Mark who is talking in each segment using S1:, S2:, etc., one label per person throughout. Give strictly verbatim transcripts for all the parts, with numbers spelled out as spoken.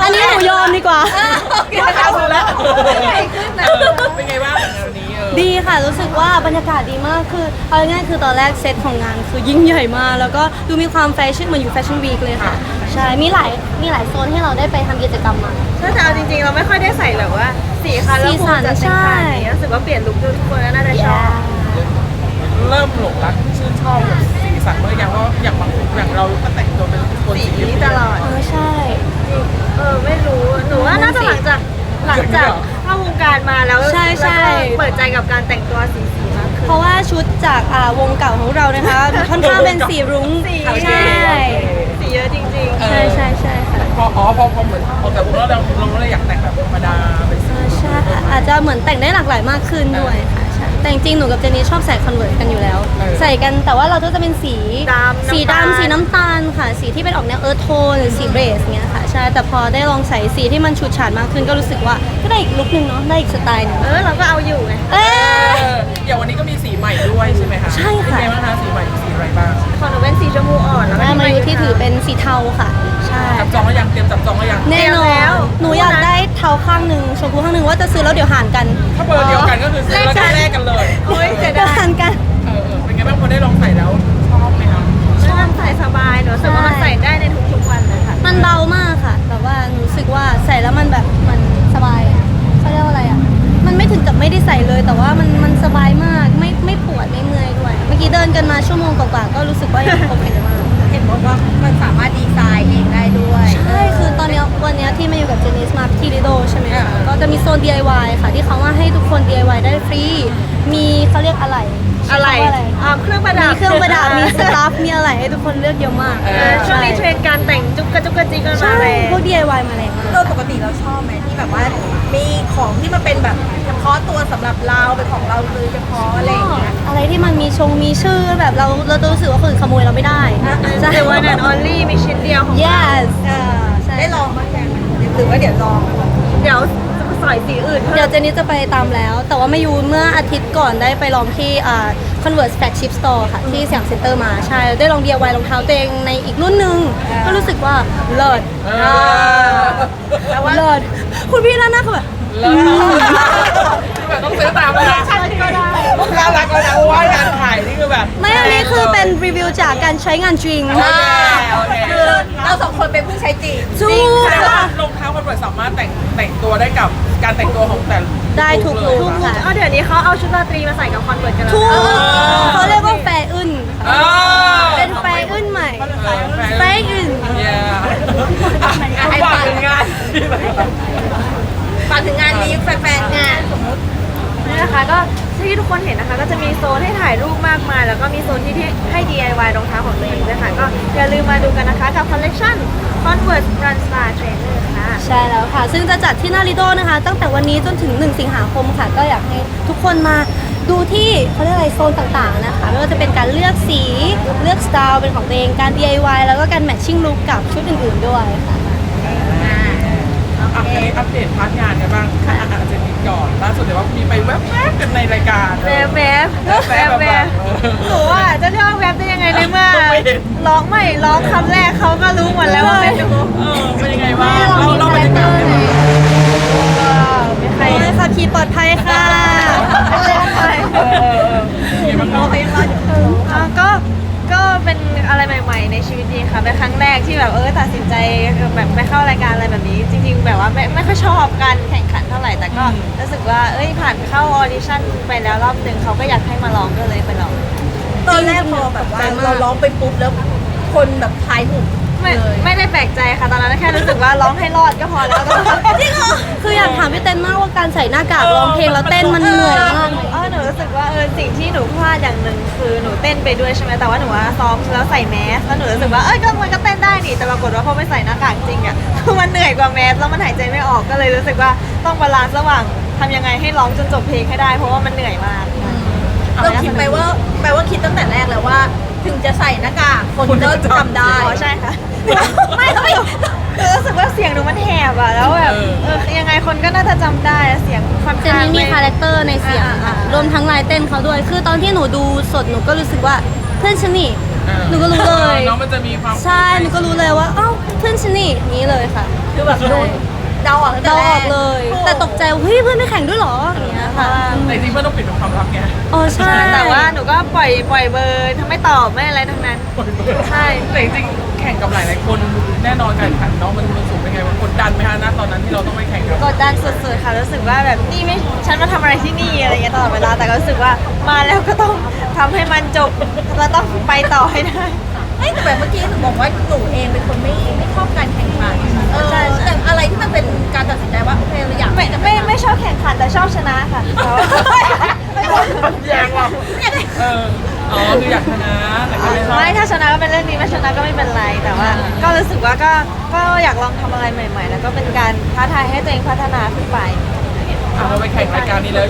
S1: อันนี้หนูยอมดีกว่า
S2: เอาแล้ว
S3: เป็นไงบ้างวันนี้เออ
S1: ดีค่ะรู้สึกว่าบรรยากาศดีมากคือเอาง่ายๆคือตอนแรกเซตของงานคือยิ่งใหญ่มากแล้วก็ดูมีความแฟชั่นเหมือนอยู่แฟชั่นวีคเลยค่ะใช่มีหลายมีหลายโซนให้เราได้ไปทำกิจกรรมมา
S2: ถ้าจะเอาจริงๆเราไม่ค่อยได้ใส่แบบว่าสีคันแล้ว
S1: สีสัน
S2: จัดเต็ม
S1: ใช่
S2: ขนาดนี้รู้สึกว่าเปลี่ยนลุคทุกคนแล้วน่าจะชอบ
S3: เริ่มหลงรักชื่นชอบแบบสีสันเมื่อยังว่าอย่างบางอย่างเราก็แต่งตัวเป็นคน
S2: สี
S3: สี
S2: นี้ตลอด
S1: เออใช่
S2: เออไม่รู้หนูว่าน่าจะหลังจากหลังจากเข้าวงการมาแล้ว
S1: ใช่ใช่
S2: แล้วก็เปิดใจกับการแต่งตัวสีสีมากขึ้น
S1: เพราะว่าชุดจากอ่าวงเก่าของเรานะคะค่อนข้างเป็นสีรุ้ง
S2: สี
S1: ใช่
S2: สีเยอะจริง
S1: ใช่ใช่ใช่ค่ะ
S3: พออ๋อพอพอเหมือนออกจากวงแล้วเราเราก็เลยอยากแต่งแบบธรรมดาไป
S1: เออใช่ค่ะอาจจะเหมือนแต่งได้หลากหลายมากขึ้นด้วยค่ะใช่แต่จริงๆหนูกับเจนนี่ชอบใส่คอนเวิร์ตกันอยู่แล้ว ใส่กันแต่ว่าเราก็จะเป็นสี
S2: ๆดำ
S1: สีดำสีน้ำตาลค่ะ สีที่เป็นออกแนวเอิร์ธโทนหรือสีเบสเงี้ยค่ะใช่แต่พอได้ลองใส่สีที่มันฉูดฉาดมากขึ้นก็รู้สึกว่าก็ได้อีกลุคนึงเนาะได้อีกสไตล์หนึง
S2: เออเราก็เอาอยู่ไง
S1: เอ้
S3: เอย ออย่างวันนี้ก็มีสีใหม่ด้วยใช่ไหมคะ
S1: ใช่ค่ะ
S3: เป็นไงบ้างคะสีใหม่สีอะไรบ้าง
S2: ของหนูเป็นสีชมพูอ่อนแล้วก็
S1: แม่มาอยู่ที่ถือเป็นสีเทาค่ะใช่
S3: จับจองแล้วยังเตรียมจับจองแล้วยัง
S1: แน่นอนหนูอยากได้เทาข้างหนึ่งชมพูข้างหนึ่งว่าจะซื้อแล้วเดี๋ยวหารกัน
S3: ถ้าเบอร์เดียวกันก็คือซื้อแล้วก็แลกกันเลย
S2: โอ้ยเสีย
S1: เดี๋ยว
S2: ดาย
S1: หารกัน
S3: เออเออเป็นไงบ้างพอได้ลองใส่แล้วชอบไหมคะ
S2: ชอบใส่สบายหนูรู้สึกว่ามันใส่ได้ในทุกๆวันเลยค่ะ
S1: มันเบามากค่ะแบบว่าหนูรู้สึกว่าใส่แล้วมันแบบมันสบายอะเขาเรียกว่าอะไรอ่ะมันไม่ถึงกับไม่ได้ใส่เลย แต่ว่ามันมันสบายมากไม่ไม่ปวดไม่เมื่อยด้วย เมื่อกี้เดินกันมาชั่วโมงกว่าๆก็รู้สึกว่ายังโอเคมาก
S2: เห็นบอกว่ามันสามารถดีไซน์เองได้ด้วย
S1: ใช่คือตอนเนี้ยวันเนี้ยที่มาอยู่กับเจนิสมาที่ลิโดใช่ไหมคะก็จะมีโซน ดี ไอ วาย ค่ะที่เขาว่าให้ทุกคน ดี ไอ วาย ได้ฟรีมีเขาเรียกอะไร
S2: อะไร
S1: ใช้คำว่าอะไร
S2: อ่าเครื่องประดั
S1: มี
S2: บ
S1: เครื่องประดับมีสตาฟมีอะไรให้ทุกคนเลือกเยอะมาก
S2: เออช่วงนี้เทรนด์การแต่งจุกกระจุกกระจิกกันมา
S1: ใช่
S2: แรง
S1: พวก ดี ไอ วาย มาแรงมาก
S4: โดยปกติเราชอบไหมที่แบบว่ามีของที่มันเป็นแบบเฉพาะตัวสำหรับเราเป็นของเราเลยเฉพาะอะไรอย่างเงี้ย
S1: อะไรที่มันมีชงมีชื่อแบบเราเราจะรู้สึกว่าคนอื่นขโมยเราไม่ได้ใช่
S2: แต่วันนั้นออลลี่มีชิ้นเดียวของ
S1: yes
S4: เออ
S1: ใช่
S4: ได้ลองบ้างยังหรือว่าเดี๋ยวลอง
S2: เดี๋ยวจะใส่สีอื่น
S1: เดี๋ยวเจนนี่จะไปตามแล้ว แต่ว่าไม่ยูเมื่ออาทิตย์ก่อนได้ไปลองที่อ่า Converse Flagship Store ค่ะ ที่สยามเซ็นเตอร์มาใช่ ได้ลอง ดี ไอ วาย รองเท้าตัวเองในอีกรุ่นหนึ่งก็รู้สึกว่าเลิศ
S3: เออ
S2: แต่ว่า
S1: เลิศคุณพี่ด้านหน้าคือแบบ
S3: เลิศคือแบบต้องซื้อตามเลยนะ
S2: ฉันก็ได้
S3: น่ารักเลยนะเพราะว่างานถ่ายนี่คือแบบ
S1: ไม่อันนี้คือเป็นรีวิวจากการใช้งานจริง
S3: โอเคโอเค
S4: คือเราสองคนเป็นผู้ใช้จริง
S1: ถูก
S3: แสดงว่า
S1: ค่ะ
S3: รองเท้าคอนเวิร์สสามารถแต่งแต่งตัวได้กับการแต่งตัวของแต่ละ
S1: ได้ทุก
S3: เล
S1: ลุ
S3: ย
S1: คค่ะ
S2: เอาเดี๋ยวนี้เขาเอาชุดราตรีมาใส่กับคอนเวิร์ตกันแล้ว
S1: ถูก
S2: นะ
S1: เขาเรียกว่าแฟร์อึน
S3: เออ
S1: เป็นแฟร์อึนใหม่
S3: เออ
S1: แฟร์อึน
S3: เย้ไอ้ฝากถึงงาน
S4: ฝากถึงงานนี้แฟนๆงานสมมติ
S2: นี่นะคะก็ที่ทุกคนเห็นนะคะก็จะมีโซนให้ถ่ายรูปมากมายแล้วก็มีโซนที่ที่ให้ ดี ไอ วาย รองเท้าของตัวเองด้วยค่ะก็อย่าลืมมาดูกันนะคะกับคอลเลคชัน Converse Run Star Trainer ค่ะ
S1: ใช่แล้วค่ะ ซึ่งจะจัดที่นาริโดนะคะ ตั้งแต่วันนี้จนถึงหนึ่งสิงหาคมค่ะ ก็อยากให้ทุกคนมาดูที่เขาเรียกอะไรโซนต่างๆนะคะ ไม่ว่าจะเป็นการเลือกสี เลือกสไตล์เป็นของตัวเอง การ ดี ไอ วาย แล้วก็การแมทชิ่งลุคกับชุดอื่นๆด้วยค่ะ
S3: อ่ะอันนี้อัปเดตพาร์ทงานกันบ้างค่ะอาจจะมีก่อนล่าสุดเดี๋ยวว่ามีไปแวบๆกันในรายการ
S2: แวบแวบ
S3: แวบ
S2: แวบ
S3: ๆ
S2: แว
S3: แบบ บ
S2: หนูอ่ะจะเรียกว่าแวบได้ยังไงในเมื่อ
S3: ไม่เห็น
S2: ร้องไม่ร้องคำแรกเขาก็รู้หมดแล้วว่าเป็นหนู
S3: เออเป็นยังไงบ้าง
S1: แม่เรา
S3: เรา
S1: มี
S3: เราบรรยากาศให้หน่อย
S2: ไม่ใค
S1: ใค
S2: ร
S1: รขับขี่ปลอดภัยค่ะ
S3: เออเออเป็นยังไงบ้างเนาะ
S2: อ่ะก็ก็เป็นอะไรใหม่ๆในชีวิตดีค่ะเป็นครั้งแรกที่แบบเออตัดสินใจแบบไปเข้ารายการอะไรแบบนี้ จริง ๆ แบบว่าไม่ไม่ค่อยชอบการแข่งขันเท่าไหร่แต่ก็รู้สึกว่าเอ้ยผ่านเข้าออดิชั่นไปแล้วรอบหนึ่งเขาก็อยากให้มาลองก็เลยไปลอง
S4: ตอนแรกพอแบบว่าเราร้องไปปุ๊บแล้วคนแบบทายถูก
S2: ไม่
S4: เลย
S2: ไม่ได้แปลกใจค่ะตอนนั้นแค่รู้สึกว่าร้องให้รอดก็พอแล้วก็
S4: จริงเหรอ
S1: คืออยากถามพี่เต้นมากว่าการใส่หน้ากากร้องเพลงแล้วเต้นมันเหนื่อยมากไหม
S2: เออหนูรู้สึกว่าเออสิ่งที่หนูพลาดอย่างหนึ่งคือหนูเต้นไปด้วยใช่ไหมแต่ว่าหนูว่าซ้อมแล้วใส่แมสแล้วหนูรู้สึกว่าเอ้ยก็มันก็เต้นได้นี่แต่ปรากฏว่าพอไม่ใส่หน้ากากจริงอ่ะ คือมันเหนื่อยกว่าแมสแล้วมันหายใจไม่ออกก็เลยรู้สึกว่าต้องบาลานซ์ระหว่างทำยังไงให้ร้องจนจบเพลงให้ได้เพราะว่ามันเหนื่อยมาก
S4: เราคิดไปว่าแปลว่าคิดตั้งแต่แรกแล้วว่า ถึงจะใส่หน้ากากคนก็จำได้
S2: อ๋อใช่ค่ะ ไม่ไม่หนูรู้สึกว่าเสียงหนูมันแหบอ่ะแล้วแบบเออยังไงคนก็น่าจะจำได้เสียงค่อน
S1: เจ
S2: ข้าง
S1: นนี่มีคาแรคเตอร์ในเสียงค่ะรวมทั้งลายเต้นเขาด้วย คือตอนที่หนูดูสดหนูก็รู้สึกว่าเพื่อนฉันนี่หนูก็รู้เลย
S3: น้องมันจะมีความ
S1: ใช่หนูก็รู้เลยว่าเอ้าเพื่อนฉันนี่อย่างนี้เลยค่ะ
S4: คือแบบโดนเดาออกตั้งแต่
S1: เดา
S4: แร
S1: ออกเลย แต่ตกใจว่าเฮ้ยเพื่อนไม่แข่งด้วยเหรออย่างเงี้ยค่ะ
S3: แต่จริงๆไม่ต้องปิดเป็นความลับไง
S1: อ๋อใช่
S2: แต่ว่าหนูก็ปล่อยปล่อยเบอร์ทั้งไม่ตอบไม่อะไรทั้งนั้น ใช่
S3: แต่จริงๆแข่งกับหลายๆคนแน่นอนการแข่งขันเนาะมันมันสูงเป็นไงวะกดดันไหมฮะณตอนนั้นที่เราต้องไปแข่งกับ
S2: กดดันสุดๆค่ะรู้สึกว่าแบบนี่ไม่ฉันมาทำอะไรที่นี่อะไรเงี้ยตลอดเวลาแต่ก็รู้สึกว่ามาแล้วก็ต้องทำให้มันจบแล้วต้องไปต่อให้ได้
S4: เอ้ยแต่แบบเมื่อกี้หนูบอกว่าหนูเองเป็นคนไม่ไม่ชอบการแข่งขันเออ
S2: ใช่ใช่
S4: แต่อะไรที่มันเป็นการตัดสินใจว่าโอเคเราอยาก
S2: ไม่ไม่ไม่ชอบแข่งขันแต่ชอบชนะค่ะ
S3: แยงว่ะเอออ๋อคืออยากชนะแต่ก็ไม่ชอบ
S2: ไม่ถ้าชนะก็เป็นเรื่องนี้ไม่ชนะก็ไม่เป็นไรแต่ว่า ก็รู้สึกว่าก็ก็อยากลองทำอะไรใหม่ ๆ แล้วก็เป็นการท้าทายให้ตัวเองพัฒนาขึ้นไป
S3: อ่ะเราไปแข่งรายการนี้แล้ว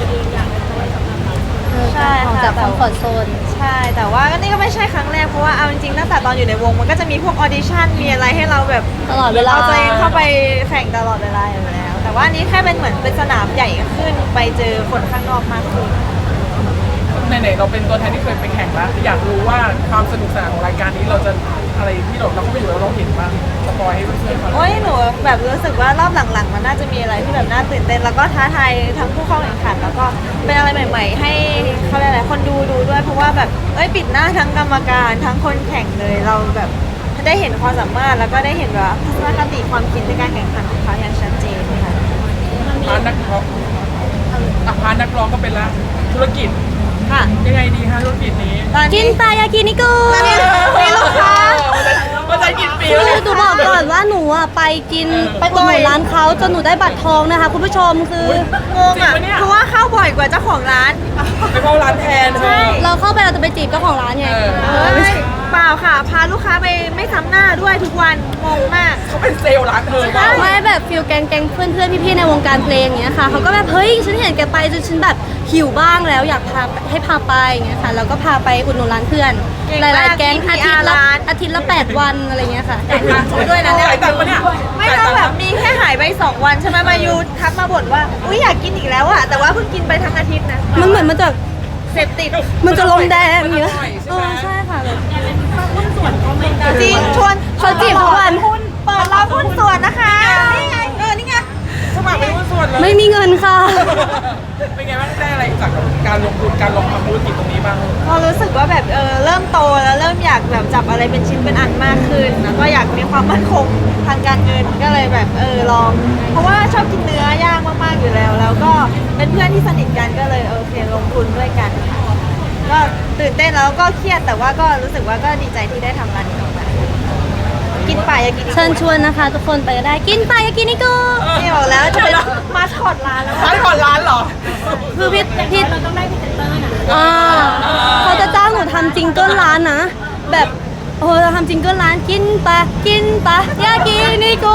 S2: ใช่
S1: ออก
S2: ค่ะ
S1: จากคอมฟอร์ทโซน
S2: ใช่แต่ว่าก็นี่ก็ไม่ใช่ครั้งแรกเพราะว่าเอาจริงๆตั้งแต่ตอนอยู่ในวงมันก็จะมีพวกออดิชั่นมีอะไรให้เราแบบ
S1: ตลอดเวลา
S2: เอาตัวเองเข้าไปแข่งตลอดเวลาอยู่แล้ว แต่ว่าอันนี้แค่เป็นเหมือนเป็นสนามใหญ่ขึ้นไปเจอคนข้างนอกมากขึ้น
S3: ไหนๆเราเป็นตัวแทนที่เคยไปแข่งแล้วอยากรู้ว่าความสนุกสนานของรายการนี้เราจะอะไรที่เราเราก็ไม่อยู่แล้วเราเห็นบ้างสปอยให้เพื่อนๆฟัง
S2: โอ้ยหนูแบบรู้สึกว่ารอบหลังๆ มันน่าจะมีอะไรที่แบบน่าตื่นเต้นแล้วก็ท้าทายทั้งผู้เข้าแข่งขัน แล้วก็เป็นอะไรใหม่ ๆ ให้เขาเรียกอะไรคนดูดูด้วยเพราะว่าแบบเอ้ยปิดหน้าทั้งกรรมการทั้งคนแข่งเลยเราแบบได้เห็นความสามารถแล้วก็ได้เห็นว่าทัศนคติความคิดในการแข่งขันของเขาอย่างชัดเจนค่ะ
S3: พาร์ทนักร้องอ่ะพาร์ทนักร้องก็เป็นละธุรกิจ
S2: ค่ะ
S3: ยังไงดีคะธุรกิจนี้
S2: ตอน
S1: กิ
S2: นี้
S1: นปลายากินิกุ
S2: ตอนนี้มีลูกค้า
S3: มันจะกินปี
S1: คือ
S3: แล้ว
S1: หนูบอกก่อนว่าหนูอ่ะไปกินไปอุดหนุนร้านเขาจนหนูได้บัตรทองนะคะ คุณผู้ชมคือง
S2: งอ่ะเพราะว่าเข้าบ่อยกว่าเจ้าของร้าน
S3: ไปเข้าร้านแทนใช่
S1: เราเข้าไปเราจะไปจีบเจ้าของร้านไง
S3: เออ
S2: เอ้ยเปล่าค่ะ พาลูกค้าไปไม่ซ้ำหน้าด้วยทุกวันงงมาก
S3: เขาเป็นเซลล์ร้านเธอเปล่า
S1: ไม่แบบฟิลแกงแกงเพื่อนเพื่อนๆพี่ๆในวงการเพลงอย่างเงี้ยค่ะเขาก็แบบเฮ้ยฉันเห็นแกไปจนฉันแบบหิวบ้างแล้วอยากพาให้พาไปอย่างเงี้ยค่ะแล้วก็พาไปอุดหนุนร้านเพื่อน
S2: เก่ง
S1: ห
S2: มาก
S1: ลายๆแก๊ง
S2: มี
S1: อา
S2: พี
S1: ทิ
S2: อา
S1: ต
S2: ร์
S1: ย์ละ
S2: ร้าน
S1: อาทิตย์ละแปดวันอะไรเงี้ยค่ะ
S4: แต่งงานเขาด้วยนะเนี่ย
S3: จ่ายตังค์ปะเนี่ย
S2: ไม่ต้องแบบมีแค่หายไปสองวันใช่ไหมมายูทักมาบ่นว่า อุ้ยอยากกินอีกแล้วอะแต่ว่าเพิ่งกินไปทั้งอาทิตย์นะ
S1: มันเหมือนมันจะ
S2: เสพติด
S1: มันจะลงแดงอย่างเงี้ย
S3: มันอร่อยใช่
S1: เอ
S3: ไหม
S1: อใช่ค่ะแบบ
S2: จริงชวน
S1: เขาจีบทุกวัน
S2: หุ้นเปิดรับหุ้นส่วนนะคะนี่ไงเออนี่ไง
S3: สมัครเป็นหุ้นส่วนเลย
S1: ไม่มีเงินค่ะ
S3: เป็นไงบ้างได้อะไรจากการลงทุนการลงทำธุรกิจตรงนี้บ้าง
S2: พอรู้สึกว่าแบบเออเริ่มโตแล้วเริ่มอยากแบบจับอะไรเป็นชิ้นเป็นอันมากขึ้น แล้วก็อยากมีความมั่นคงทางการเงินก็เลยแบบเออลอง เพราะว่าชอบกินเนื้อย่างมากๆอยู่แล้ว แล้วก็เป็นเพื่อนที่สนิทกันก็เลยโอเคลงทุนด้วยกันค่ะก็ตื่นเต้นแล้วก็เครียดแต่ว่าก็รู้สึกว่าก็ดีใจที่ได้ทำร้านนี้ออกมากินป่ายากิน
S1: เชิญชวนนะคะ ทุกคนไปก็ได้กินไปยากินิกุ
S2: นี่บอกแล้วจะเป็นมาสคอตร้านแล้ว
S3: ร้านก่อนร้านเหรอ
S1: คือพี่พี่เราต้องได้พรีเซนเตอร์นะอ่าเขาจะจ้างหนูทำจิงเกิลร้านนะ แบบโอ้เราทำจิงเกิลร้านกินปะกินปะยากินิกุ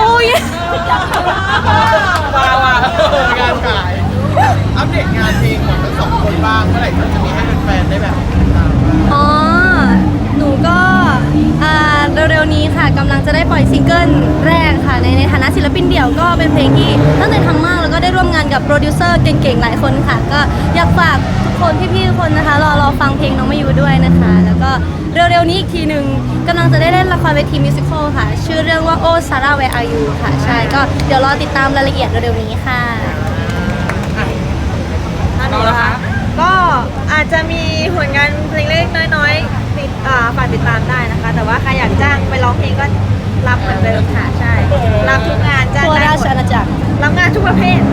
S3: มาว่ะงานขาย
S5: อัปเดตงานเพลงของทั้งสองคนบ้างเมื่อไหร่จะมีให้แฟนๆได้แบบติดตามบ้าง
S1: อ๋อ หนูก็อ่าเร็วๆนี้ค่ะกำลังจะได้ปล่อยซิงเกิลแรกค่ะในในฐานะศิลปินเดี่ยวก็เป็นเพลงที่ตั้งใจทำมากแล้วก็ได้ร่วมงานกับโปรดิวเซอร์เก่งๆหลายคนค่ะ ก็อยากฝากทุกคนพี่ๆทุกคนนะคะรอรอฟังเพลงน้องมายูด้วยนะคะ แล้วก็เร็วๆนี้อีกทีหนึ่งกำลังจะได้เล่นละครเวทีมิวสิควลค่ะ ชื่อเรื่องว่าโอซาร่าเวอายูค่ะใช่ก็เดี๋ยวรอติดตามรายละเอียดเร็วๆนี้ค่ะ
S3: เราละคะ
S2: ก็อาจจะมีผลงานเพลงเล็กๆน้อยๆติดอ่าฝากติดตามได้นะคะ แต่ว่าใครอยากจ้างไปร้องเพลงก็รับเหมือนเดิมค่ะใช่รับทุกงานจ้าง
S1: ทั่ว
S2: ได้
S1: รา
S2: หม
S1: ช
S2: ด
S1: อาณาจักร
S2: รับงานทุกประเภท